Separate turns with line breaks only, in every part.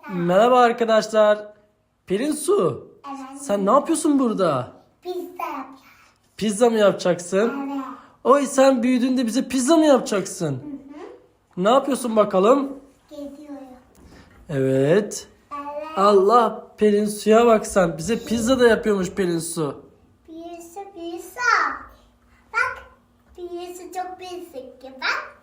Merhaba arkadaşlar. Pelin Su.
Evet.
Sen ne yapıyorsun burada?
Pizza yapacağız.
Pizza mı yapacaksın?
Evet.
Oy, sen büyüdüğünde bize pizza mı yapacaksın? Ne yapıyorsun bakalım?
Geziyorum.
Evet.
Evet.
Allah, Pelin Su'ya bak sen. Bize pizza da yapıyormuş Pelin Su.
Pizza. Bak. Pizza çok büyük ki. Bak.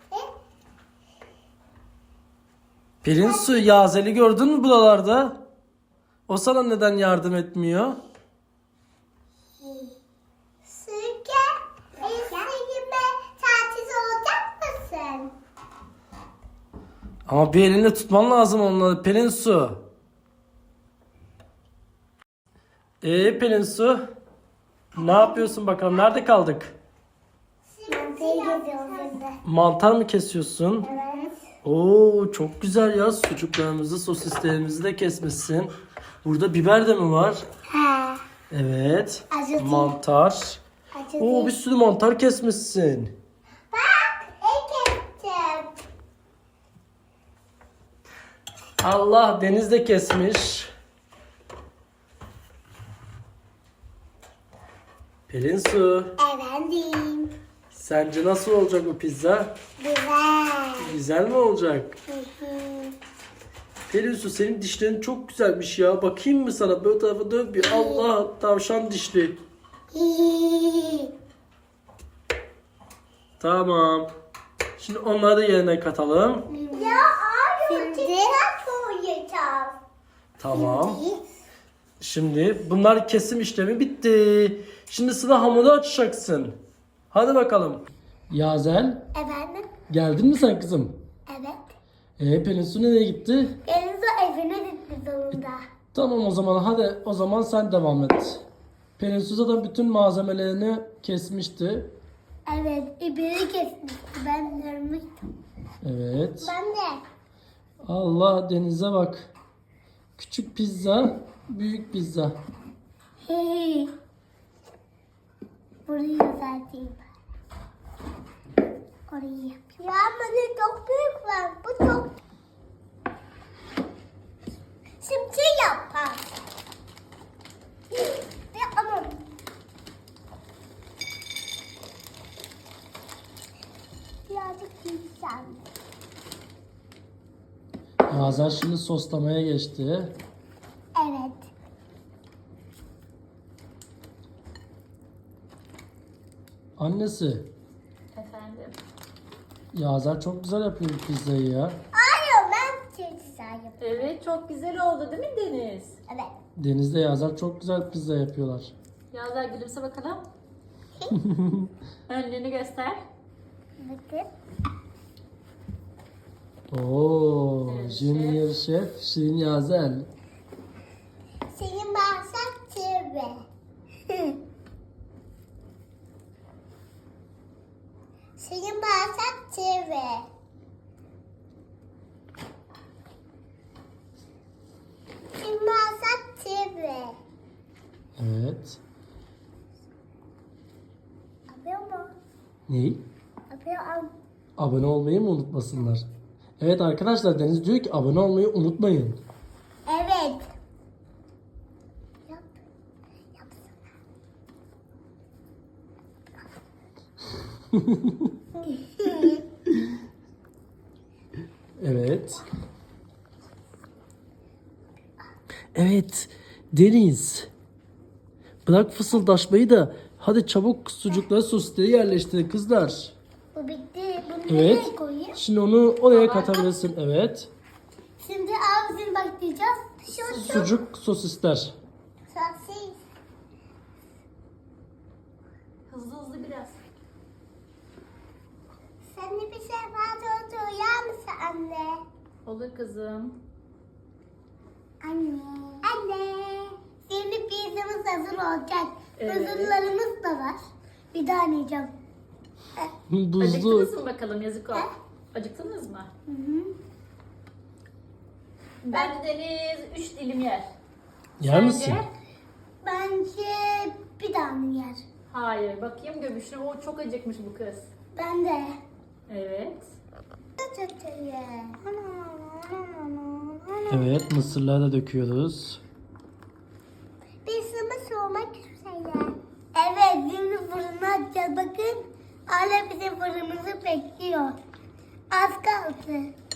Pelin Su, Yazel'i gördün mü buralarda? O sana neden yardım etmiyor?
Sürke. Seninle tatil olacak mısın?
Ama bir elinle tutman lazım onları Pelin Su. Pelin Su, ne yapıyorsun bakalım? Nerede kaldık?
Mantıyı geziyoruz şimdi.
Mantar mı kesiyorsun?
Evet.
Oo, çok güzel ya. Sucuklarımızı, sosislerimizi de kesmişsin. Burada biber de mi var?
He.
Evet.
Acı değil.
Mantar.
Acı
Oo,
değil.
bir sürü mantar kesmişsin.
Bak. Ekettim.
Allah, Deniz de kesmiş. Pelin Su,
Efendim.
sence nasıl olacak bu pizza?
Güzel.
Güzel mi olacak?
Hı hı.
Pelin Su, senin dişlerin çok güzelmiş ya. Bakayım mı sana? Böyle tarafa dön bir. Allah, tavşan dişli. Tamam. Şimdi onları da yerine katalım.
Ya abi şimdi koyacağım.
Tamam. Şimdi bunlar kesim işlemi bitti. Şimdi sıra hamuru açacaksın. Hadi bakalım. Yazel,
Efendim?
geldin mi sen kızım?
Evet.
Pelin Su nereye gitti?
Deniz evine gitti sonunda.
Tamam, o zaman hadi, o zaman sen devam et. Pelin Su zaten bütün malzemelerini kesmişti.
Evet, ibiri kesmişti. Ben görmüştüm.
Evet.
Ben de.
Allah, Deniz'e bak. Küçük pizza, büyük pizza.
Hey. Burayı düzelteyim. Orayı yapayım. Ya bana çok büyük var. Bu çok... Şimdi yapar. Ama... Birazcık yükseldi.
Yazel şimdi soslamaya geçti.
Evet.
Annesi,
Efendim.
Yazel çok güzel yapıyor bu pizzayı ya.
Hayır, ben çok güzel yapıyorum.
Evet, çok güzel oldu değil mi Deniz?
Evet.
Deniz'le Yazel çok güzel pizza yapıyorlar.
Yazlar gülümse bakalım. Önlüğünü göster.
Bakın.
Oo,
Evet,
Junior Şef Şirin Yazel.
Senin bağırsak çevre. Senin bağırsak çevre. Senin bağırsak çevre.
Evet.
Yapıyor mu?
Ney?
Yapıyor.
Abone olmayı mı unutmasınlar? Evet arkadaşlar, Deniz diyor ki abone olmayı unutmayın.
Evet. Yap. Yapsana.
Evet. Evet. Deniz. Bırak fısıldaşmayı da hadi çabuk sucukları, sosisleri yerleştirin kızlar.
Bu bitti. Bunu
Evet.
nereye koyayım?
Şimdi onu oraya katabilirsin. Evet.
Şimdi ağzını baklayacağız. Şu
Sucuk, sosisler.
sosis.
Hızlı hızlı biraz.
Sen de bir şey fazla uyar mısın anne?
Olur kızım.
Anne. Anne. Şimdi pizzamız hazır olacak.
Evet.
Buzullarımız da var. Bir daha deneyeceğim.
Buzlu.
Acıktınız mı bakalım, yazık ol. Acıktınız mı?
Hı hı.
Bence Deniz 3 dilim yer.
Yer
Sence?
misin?
Bence bir tane yer.
Hayır, bakayım göbüşüne. O çok acıkmış bu kız.
Ben de.
Evet.
Çok iyi.
Evet, mısırları da döküyoruz.
Pizzamı soğumak üzere. Evet, şimdi fırına atacağız. Bakın, hala bizim fırınımızı bekliyor. Az kaldı.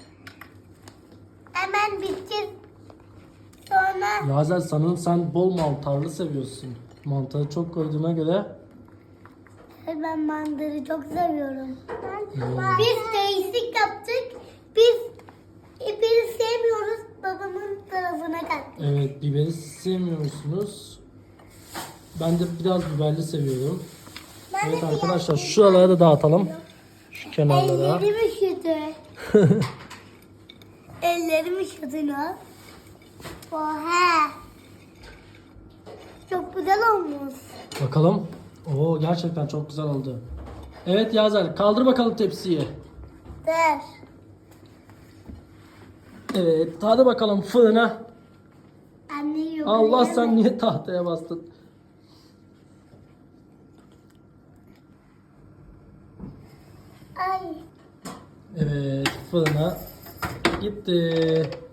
Hemen bitecek. Sonra
Yazel, sanırım sen bol mantarlı seviyorsun. Mantarı çok koyduğuna göre.
ben mandırı çok seviyorum. Biz değişik yaptık. Biz biberi sevmiyoruz. Babamın tarafına kattık.
Evet, biberi sevmiyor musunuz? Ben de biraz biberli seviyorum.
Ben
Evet
de
arkadaşlar, şuralara da dağıtalım. Şu kenarlara.
ellerim üşüdü. Ellerim üşüdü ne? Oha. Çok güzel olmuş.
Bakalım. Oo, gerçekten çok güzel oldu. Evet Yazel, kaldır bakalım tepsiyi.
Dur.
Evet, hadi bakalım fırına.
Anne yok.
Allah, sen niye tahtaya bastın?
Ay.
Evet, fırına gitti.